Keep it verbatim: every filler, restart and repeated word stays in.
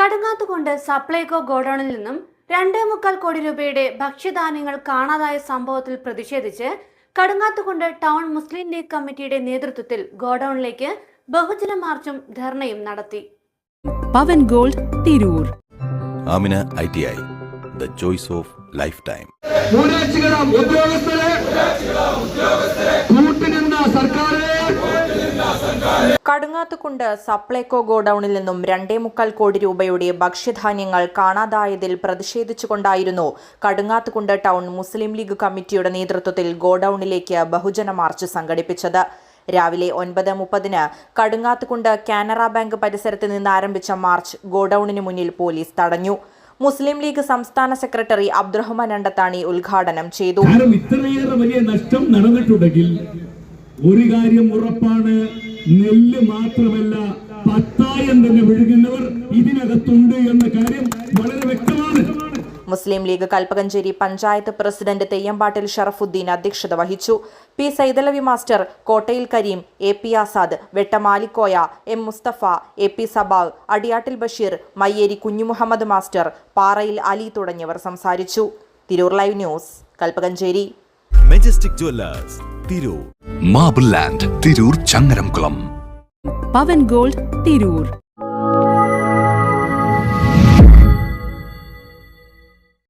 കടുങ്ങാത്തുകുണ്ട് സപ്ലൈകോ ഗോഡൌണിൽ നിന്നും രണ്ടേ മുക്കാൽ കോടി രൂപയുടെ ഭക്ഷ്യധാന്യങ്ങൾ കാണാതായ സംഭവത്തിൽ പ്രതിഷേധിച്ച് കടുങ്ങാത്തുകുണ്ട് ടൗൺ മുസ്ലിം ലീഗ് കമ്മിറ്റിയുടെ നേതൃത്വത്തിൽ ഗോഡൌണിലേക്ക് ബഹുജന മാർച്ചും ധർണയും നടത്തി. Pavan gold Tirur. Amina I T I, the choice of lifetime. Kadungathukundu Supplyco ഗോഡൌണിൽ നിന്നും രണ്ടേ മുക്കാൽ കോടി രൂപയുടെ ഭക്ഷ്യധാന്യങ്ങൾ കാണാതായതിൽ പ്രതിഷേധിച്ചുകൊണ്ടായിരുന്നു കടുങ്ങാത്തുകുണ്ട് ടൗൺ മുസ്ലിം ലീഗ് കമ്മിറ്റിയുടെ നേതൃത്വത്തിൽ ഗോഡൌണിലേക്ക് ബഹുജന മാർച്ച് സംഘടിപ്പിച്ചത്. രാവിലെ ഒൻപത് മുപ്പതിന് കടുങ്ങാത്തുകുണ്ട് കാനറ ബാങ്ക് പരിസരത്ത് നിന്ന് ആരംഭിച്ച മാർച്ച് ഗോഡൌണിന് മുന്നിൽ പോലീസ് തടഞ്ഞു. മുസ്ലിം ലീഗ് സംസ്ഥാന സെക്രട്ടറി അബ്ദുറഹ്മാൻ അണ്ടത്താണി ഉദ്ഘാടനം ചെയ്തു. ഇത്രയേറെ വലിയ നഷ്ടം നടന്നിട്ടുണ്ടെങ്കിൽ ഒരു കാര്യം ഉറപ്പാണ്, നെല്ല് മാത്രമല്ല പത്തായം തന്നെ വിഴുകുന്നവർ ഇതിനകത്തുണ്ട് എന്ന കാര്യം വളരെ വ്യക്തമാണ്. മുസ്ലിം ലീഗ് കൽപ്പകഞ്ചേരി പഞ്ചായത്ത് പ്രസിഡന്റ് തെയ്യമ്പാട്ടിൽ ഷറഫുദ്ദീൻ അധ്യക്ഷത വഹിച്ചു. P Saidalavi master, Kottayil Kareem, A P Azad, Vettamalikoya, M Musthafa, A P Sabav, Adiyattil Basheer, Mayyeri Kunhumuhammed master, Parayil Ali തുടങ്ങിയവർ സംസാരിച്ചു. Tirur live news, Kalpakanchery. Majestic jewellers, Tirur. Marble land, Tirur Changaramkulam. Pavan gold Tirur.